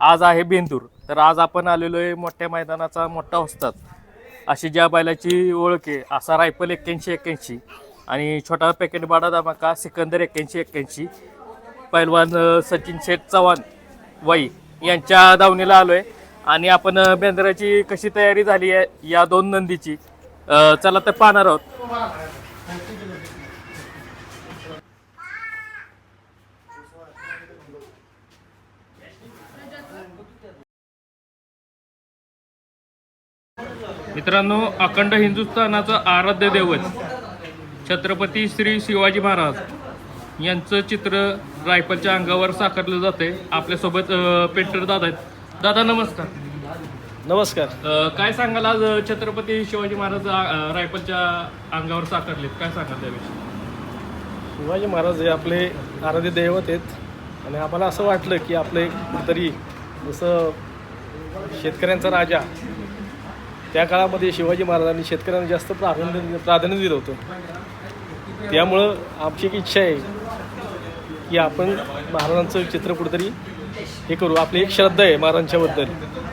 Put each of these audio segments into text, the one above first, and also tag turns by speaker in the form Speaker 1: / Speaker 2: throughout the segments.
Speaker 1: आज आहे बेंदूर. तर आज आपण आलेलो आहे मोठ्या मैदानाचा मोठा वस्ताद अशी ज्या बैलाची ओळख आहे असा रायफल 81-81 आणि छोटा पॅकेट बाडा धमाका सिकंदर 81-81 पैलवान सचिन शेठ चव्हाण वाई यांच्या दावणीला आलोय आणि आपण बेंद्राची कशी तयारी झाली आहे या दोन नंदीची चला तर पाहणार आहोत. मित्रांनो, अखंड हिंदुस्थानाचं आराध्य दैवत छत्रपती श्री शिवाजी महाराज यांचं चित्र रायफलच्या अंगावर साकारलं जाते. आपल्यासोबत पेंटर दादा आहेत. दादा नमस्कार.
Speaker 2: नमस्कार.
Speaker 1: काय सांगाल आज छत्रपती शिवाजी महाराज रायफलच्या अंगावर साकारलेत, काय सांगाल त्याविषयी?
Speaker 2: शिवाजी महाराज हे आपले आराध्य दैवत आहेत आणि आम्हाला असं वाटलं की आपलं कुठंतरी जसं शेतकऱ्यांचा राजा त्या काळामध्ये शिवाजी महाराजांनी शेतकऱ्यांना जास्त प्राधान्य दिलं होतं. त्यामुळं आमची एक इच्छा आहे की आपण महाराजांचं चित्र कुठंतरी हे करू. आपली एक श्रद्धा आहे महाराजांच्याबद्दल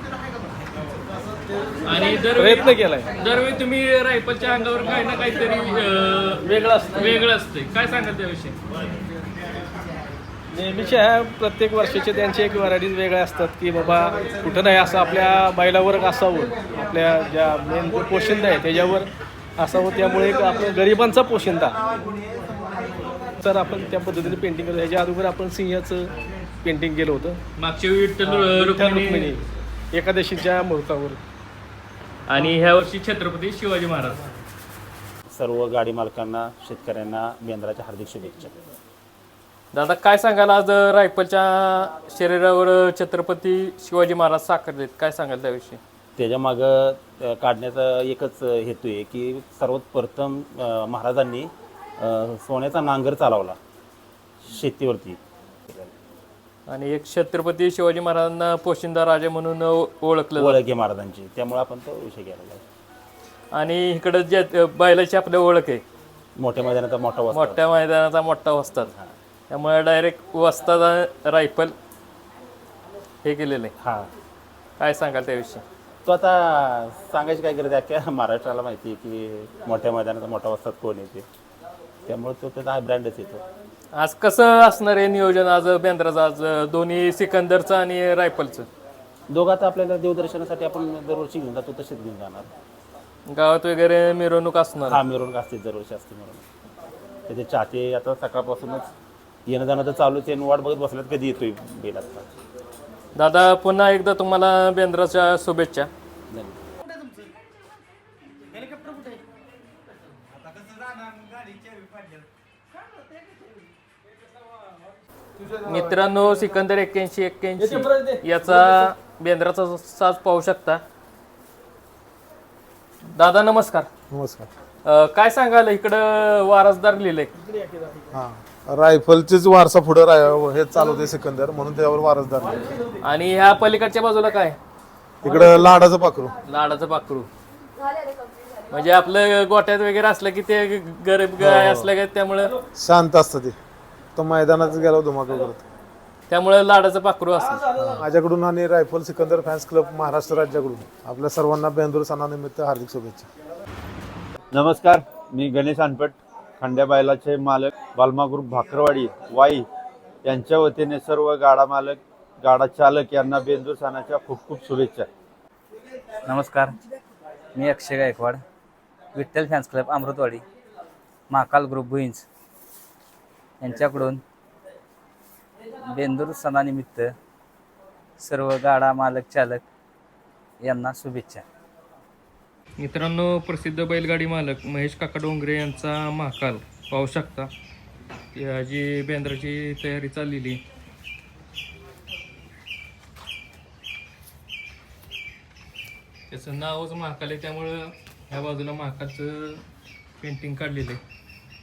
Speaker 1: आणि
Speaker 2: प्रयत्न केलाय.
Speaker 1: दरवेळी तुम्ही रायफलच्या अंगावर काही ना काहीतरी वेगळं असते, काय सांगाल त्याविषयी?
Speaker 2: नेहमीच्या ह्या प्रत्येक वर्षाचे त्यांचे एक व्हरायटीज वेगळ्या असतात की बाबा कुठं नाही असं आपल्या बैलावर असावं, आपल्या ज्या मेन पोशिंदा आहे त्याच्यावर असावं. त्यामुळे एक आपण गरिबांचा पोशिंदा तर आपण त्या पद्धतीने पेंटिंग करतो. ह्याच्या अगोदर आपण सिंहाचं पेंटिंग केलं होतं
Speaker 1: मागच्या वेळी विठ्ठल रुक्मिणी
Speaker 2: एकादशीच्या मुहूर्तावर
Speaker 1: आणि ह्या वर्षी छत्रपती शिवाजी महाराज.
Speaker 3: सर्व गाडी मालकांना शेतकऱ्यांना बेंद्राच्या हार्दिक शुभेच्छा.
Speaker 1: दादा काय सांगाल आज रायफलच्या शरीरावर छत्रपती शिवाजी महाराज साकारलेत, काय सांगाल त्याविषयी?
Speaker 3: त्याच्यामागं काढण्याचा एकच हेतू आहे की सर्वात प्रथम महाराजांनी सोन्याचा नांगर चालवला शेतीवरती
Speaker 1: आणि एक छत्रपती शिवाजी महाराजांना पोशिंदा राजा म्हणून ओळखलं
Speaker 3: ओळख आहे महाराजांची, त्यामुळे आपण तो विषय घ्यायला.
Speaker 1: आणि इकडं जे बैलाची आपल्या ओळख आहे
Speaker 3: मोठ्या मैदानाचा
Speaker 1: मोठ्या मैदानाचा मोठा वस्ताद, त्यामुळे डायरेक्ट वस्ताद रायफल हे केलेलं आहे.
Speaker 3: हां,
Speaker 1: काय सांगाल त्याविषयी?
Speaker 3: तो आता सांगायची काय गरज आहे, अख्ख्या महाराष्ट्राला माहिती आहे की मोठ्या मैदानाचा मोठा वस्ताद कोण येते, त्यामुळे तो त्याचा हा ब्रँडच येतो.
Speaker 1: आज कसं असणार आहे नियोजन आज बेंद्राचं, आज दोन्ही सिकंदरचं आणि रायफलचं?
Speaker 3: दोघात आपल्याला देवदर्शनासाठी आपण दरवर्षी घेऊन जातो तसेच घेऊन जाणार.
Speaker 1: गावात वगैरे मिरवणूक असणार?
Speaker 3: हा, मिरवणूक असते दरवर्षी असते मिरवणूक. त्याचे चाहते आता सकाळपासूनच येणं जाणं तर चालूच आहे, वाट बघत बसल्यात कधी येतोय बैल. आता
Speaker 1: दादा पुन्हा एकदा तुम्हाला बेंद्राच्या शुभेच्छा. मित्रांनो, सिकंदर 81-81 याचा बेंद्राचा साज पाहू शकता. दादा नमस्कार.
Speaker 4: नमस्कार.
Speaker 1: काय सांगाल इकडं वारसदार लिहिलंय?
Speaker 4: हां, रायफलचेच वारसा पुढे हे चालवते सिकंदर, म्हणून त्यावर वारसदार.
Speaker 1: आणि ह्या पलीकडच्या बाजूला काय?
Speaker 4: इकडं लाडाचं पाखरू.
Speaker 1: लाडाचं पाखरू म्हणजे आपलं गोट्यात वगैरे असलं की ते गरीब गाय असलं का त्यामुळं
Speaker 4: शांत असतं ते, तो मैदानात गेला धुमाकूळ करत.
Speaker 1: त्यामुळे लाडाचं पाखरू असतं.
Speaker 4: माझ्याकडून आणि rifle Sikandar fans club Maharashtra राज्याकडून आपल्या सर्वांना बेंदूर सणानिमित्त हार्दिक शुभेच्छा.
Speaker 5: नमस्कार, मी गणेश अनपट, खंड्या बैलाचे मालक बालमा ग्रुप भाकरवाडी वाई यांच्या वतीने सर्व गाडा मालक गाडा चालक यांना बेंदूर सणाच्या खूप खूप शुभेच्छा.
Speaker 6: नमस्कार, मी Akshay Gaikwad, Vitthal fans club Amrutwadi, Mahakal group Bhuinj यांच्याकडून बेंदूर सणानिमित्त सर्व गाडा मालक चालक यांना शुभेच्छा.
Speaker 1: मित्रांनो, प्रसिद्ध बैलगाडी मालक महेश काका डोंगरे यांचा महाकाल पाहू शकता. याची बेंद्राची तयारी चाललेली. त्याचं नावच महाकाल आहे, त्यामुळं ह्या बाजूला महाकालचं पेंटिंग काढलेलं आहे.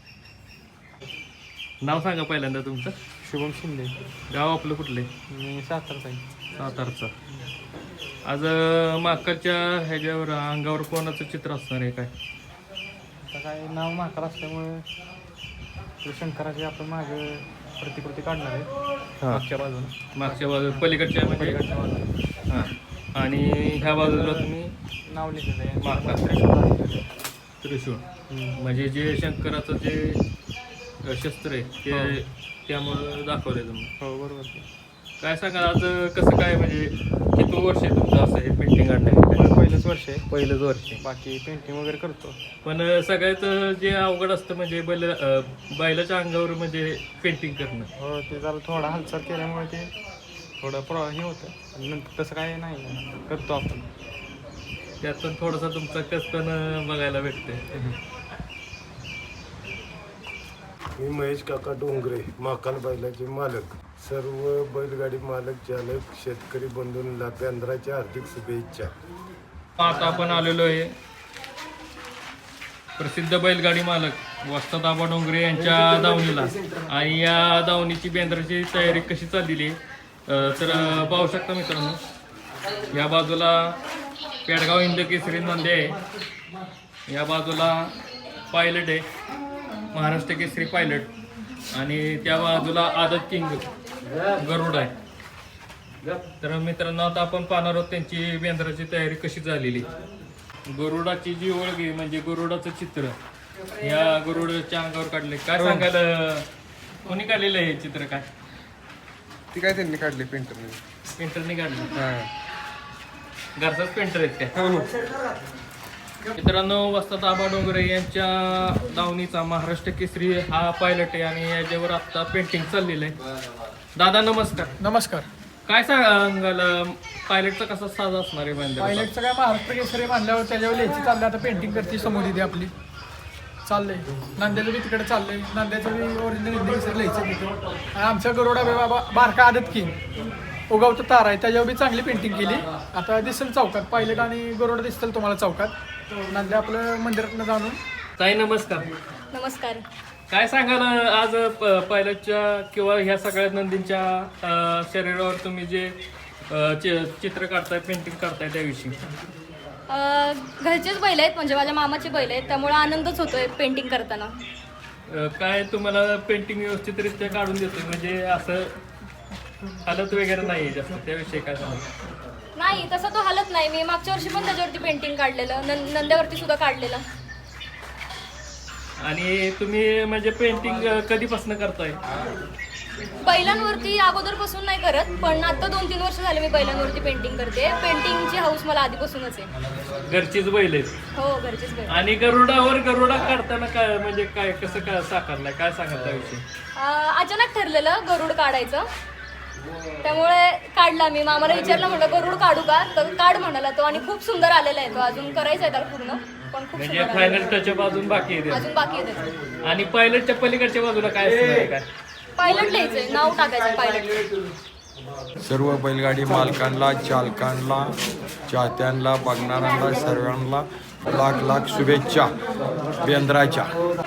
Speaker 1: नाव सांगा पहिल्यांदा तुमचं?
Speaker 2: शुभम शिंदे.
Speaker 1: गाव आपलं कुठलं आहे?
Speaker 2: मी सातारचा.
Speaker 1: सातारचा. आज महाकालच्या ह्याच्यावर अंगावर कोणाचं चित्र असणार आहे काय?
Speaker 2: आता काय नाव महाकाल असल्यामुळे शंकराचे आपण मागं प्रतिकृती काढणार आहे
Speaker 1: हां
Speaker 2: मागच्या बाजूला
Speaker 1: मागच्या बाजूला पलीकडच्या म्हणजे हां आणि ह्या बाजूला तुम्ही
Speaker 2: नाव लिहिलेलं आहे
Speaker 1: मागचा त्रिशूळ म्हणजे जे शंकराचं जे शस्त्र आहे ते त्यामुळं दाखवलंय तुम्ही.
Speaker 2: हो बरोबर.
Speaker 1: काय सांगा आज कसं काय म्हणजे किती वर्ष आहे तुमचं असं हे पेंटिंग काढण्याचं?
Speaker 2: पहिलंच वर्ष आहे.
Speaker 1: पहिलंच वर्ष आहे.
Speaker 2: बाकी पेंटिंग वगैरे करतो.
Speaker 1: पण सगळ्यात जे अवघड असतं म्हणजे बैलाच्या अंगावर म्हणजे पेंटिंग करणं.
Speaker 2: हो ते जरा थोडा हालचाल केल्यामुळे ते थोडं हे होतं. नंतर तसं काय नाही करतो आपण.
Speaker 1: त्यातून थोडासा तुमचा कस पण बघायला भेटते.
Speaker 7: मी महेश काका डोंगरे महाकाल बैलाचे मालक. सर्व बैलगाडी मालक चालक शेतकरी बंधूंना बेंद्राच्या हार्दिक शुभेच्छा.
Speaker 1: आता आपण आलेलो आहे प्रसिद्ध बैलगाडी मालक वस्ताद आबा डोंगरे यांच्या दावणीला आणि या दावणीची बेंद्राची तयारी कशी चाललेली आहे तर पाहू शकता मित्रांनो. या बाजूला पेडगाव हिंद केसरी नंदी आहे, या बाजूला पायलट आहे महाराष्ट्र केसरी पायलट आणि त्या बाजूला आदत किंग गरुड आहे. तर मित्रांनो आता आपण पाहणार आहोत त्यांची बेंद्राची तयारी कशी झालेली. गरुडाची जी ओळख आहे म्हणजे गरुडाचं चित्र या गरुडाच्या अंगावर काढले. काय सांगायला कोणी काढलेलं आहे हे चित्र? काय
Speaker 2: ती काय त्यांनी काढली पेंटरने.
Speaker 1: पेंटरने काढलं? घरचाच पेंटर आहेत त्या. मित्रांनो वस्ताद आबा डोंगरे यांच्या दावणीचा महाराष्ट्र केसरी हा पायलट आहे आणि याच्यावर आता पेंटिंग चाललेलं आहे. दादा नमस्कार.
Speaker 8: नमस्कार.
Speaker 1: काय सांगाल पायलटचा कसा साज असणार आहे बेंद्रा?
Speaker 8: पायलटचं काय महाराष्ट्र केसरी मानल्यावर त्याच्यावर लिहायची चाललंय. आता पेंटिंग करते समोर इथे आपली चाललंय. नांद्याचं बी तिकडे चाललंय. नांद्याचं बी ओरिजिनल हिंदी केसरी लिहायचं तिथे. आणि आमच्या गरुडा बाबा बारका आदत किंग उगवतं तार आहे त्याच्यावर बी चांगली पेंटिंग केली. आता दिसेल चौकात पायलट आणि गरुडा दिसतील तुम्हाला चौकात. नांद्या आपलं मंदिरातनं जाणून.
Speaker 1: ताई नमस्कार.
Speaker 9: नमस्कार.
Speaker 1: काय सांगाल आज पायलटच्या किंवा ह्या सगळ्या नंदींच्या शरीरावर तुम्ही जे चित्र काढताय पेंटिंग काढताय त्याविषयी?
Speaker 9: घरचेच बैल आहेत म्हणजे माझ्या मामाचे बैल आहेत त्यामुळे आनंदच होतोय पेंटिंग करताना.
Speaker 1: काय तुम्हाला पेंटिंग व्यवस्थितरित्या काढून देतोय म्हणजे असं हालत वगैरे नाही जास्त त्याविषयी काय सांगा?
Speaker 9: नाही तसं तो हालत नाही. मी मागच्या वर्षी पण त्याच्यावरती पेंटिंग काढलेलं नंद्यावरती सुद्धा काढलेलं.
Speaker 1: आणि तुम्ही म्हणजे पेंटिंग कधीपासून करताय?
Speaker 9: बैलांवरती अगोदरपासून नाही करत पण आता 2-3 वर्ष झाले मी बैलांवरती पेंटिंग करते. पेंटिंगची हाऊस मला आधीपासूनच आहे.
Speaker 1: घरचीच बैल आहेत?
Speaker 9: हो घरचेच बैल.
Speaker 1: आणि गरुडा काढताना काय म्हणजे काय कसं काय साकारलाय काय सांगाल त्याविषयी?
Speaker 9: अचानक ठरलेलं गरुड काढायचं त्यामुळे काढला. मी मामाला विचारलं म्हटलं गरुड काढू का तर काढ म्हणाला तो आणि खूप सुंदर आलेला आहे तो. अजून करायचा आहे त्याला पूर्ण पण खूप
Speaker 1: म्हणजे फायनल टचअप अजून बाकी आहे
Speaker 9: अजून बाकी आहे त्याचं.
Speaker 1: आणि पायलटच्या पलीकडच्या बाजूला काय असणार काय?
Speaker 9: पायलट लिहायचंय नाव टाकायचं पायलट.
Speaker 10: सर्व बैलगाडी मालकांना चालकांना चाहत्यांना बघणाऱ्यांना सर्वांना लाख लाख शुभेच्छा बेंद्राच्या.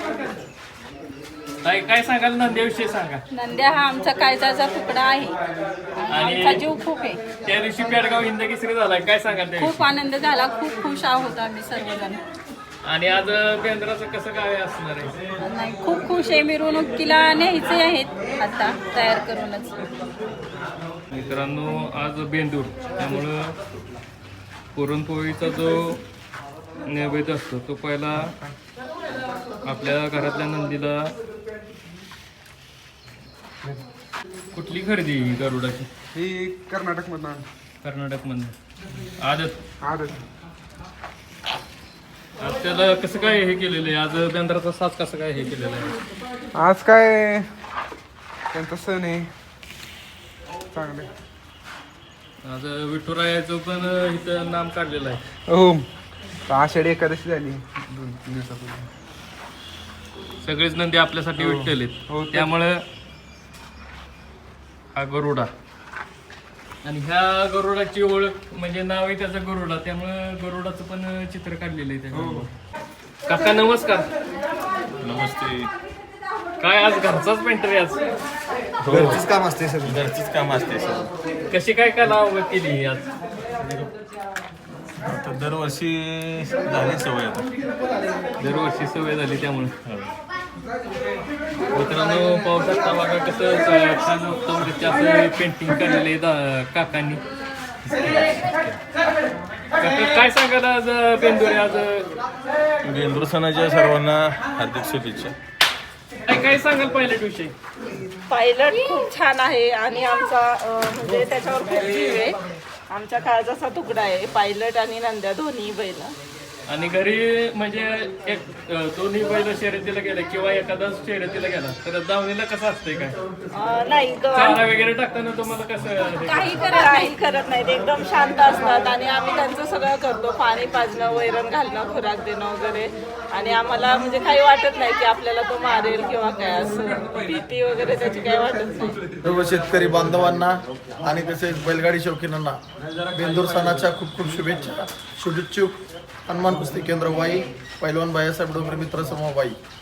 Speaker 1: काय सांगाल नंद्याविषयी सांगा.
Speaker 11: नंद्या हा आमचा कायद्याचा तुकडा आहे आणि आमचा जीव खूप आहे.
Speaker 1: त्या दिवशी पेडगाव हिंद केसरी झालाय काय सांगाल त्याविषयी?
Speaker 11: खूप आनंद झाला. खूप खुश आहोत आम्ही सर्वजण.
Speaker 1: आणि आज बेंद्राचं कसं काय असणार आहे?
Speaker 11: नाही खूप खुश आहे. मिरवणुकीला न्यायचे आहेत आता तयार करूनच.
Speaker 1: मित्रांनो आज बेंदूर त्यामुळं पुरणपोळीचा जो नैवेद्य असतो तो पहिला आपल्या घरातल्या नंदीला. कुठली खरेदी गरुडाची?
Speaker 2: ही कर्नाटकमधनं.
Speaker 1: कर्नाटकमधनं. आदत.
Speaker 2: आदत.
Speaker 1: आज त्याला कसं काय हे केलेलं आहे? आज बेंद्राचा साज कसं काय हे केलेलं आहे?
Speaker 2: आज काय त्यांचा सण आहे चांगले.
Speaker 1: आज विठुरायाचं पण इथं नाम काढलेलं आहे.
Speaker 2: हो आषाढी एकादशी झाली 2-3 दिवसापूर्वी.
Speaker 1: सगळेच नंदी आपल्यासाठी विठ्ठल आहेत त्यामुळं हा गरुडा. आणि ह्या गरुडाची ओळख म्हणजे नाव आहे त्याचं गरुडा त्यामुळं गरुडाचं पण चित्र काढलेलं आहे त्या. काका नमस्कार.
Speaker 3: नमस्ते.
Speaker 1: काय आज घरचाच पेंटर आहे आज?
Speaker 4: घरचीच काम असते सर.
Speaker 3: घरचीच काम असते सर.
Speaker 1: कशी काय कला केली आज?
Speaker 3: दरवर्षी झाली सवय आता.
Speaker 1: दरवर्षी सवय झाली त्यामुळे. मित्रांनो पाहू शकता बघा कसं छान उत्तमरित्या असं पेंटिंग केलेलं आहे काकांनी. काका, काय सांगाल आज बेंदूर आहे आज?
Speaker 10: बेंदूर सणाच्या सर्वांना हार्दिक शुभेच्छा.
Speaker 1: काय सांगाल पायलट विषयी?
Speaker 11: पायलट खूप छान आहे आणि आमचा म्हणजे त्याच्यावर खूप जीव आहे. आमच्या काळजाचा तुकडा आहे पायलट आणि नंद्या दोन्ही बैल.
Speaker 1: आणि घरी म्हणजे एक दोन्ही बैल शर्यतीला गेले किंवा एखादाच शर्यतीला गेला तर दावणीला कसं असतंय काय?
Speaker 11: नाही
Speaker 1: चारा वगैरे टाकताना तुम्हाला कसं?
Speaker 11: काही करत नाहीत, एकदम शांत असतात आणि आम्ही त्यांचं सगळं करतो. पाणी पाजणं, वैरण घालणं, खुराक देणं वगैरे. आणि आम्हाला म्हणजे काही वाटत नाही की आपल्याला तो मारेल किंवा काय असं भीती वगैरे त्याची काही वाटत नाही.
Speaker 12: सर्व शेतकरी बांधवांना आणि तसेच बैलगाडी शौकीनांना बेंदूर सणाच्या खूप खूप शुभेच्छा. शुभेच्छुक हनुमान कुस्ती केंद्र वाई, पैलवान बायासाहेब डोंगरे मित्र समूह वाई.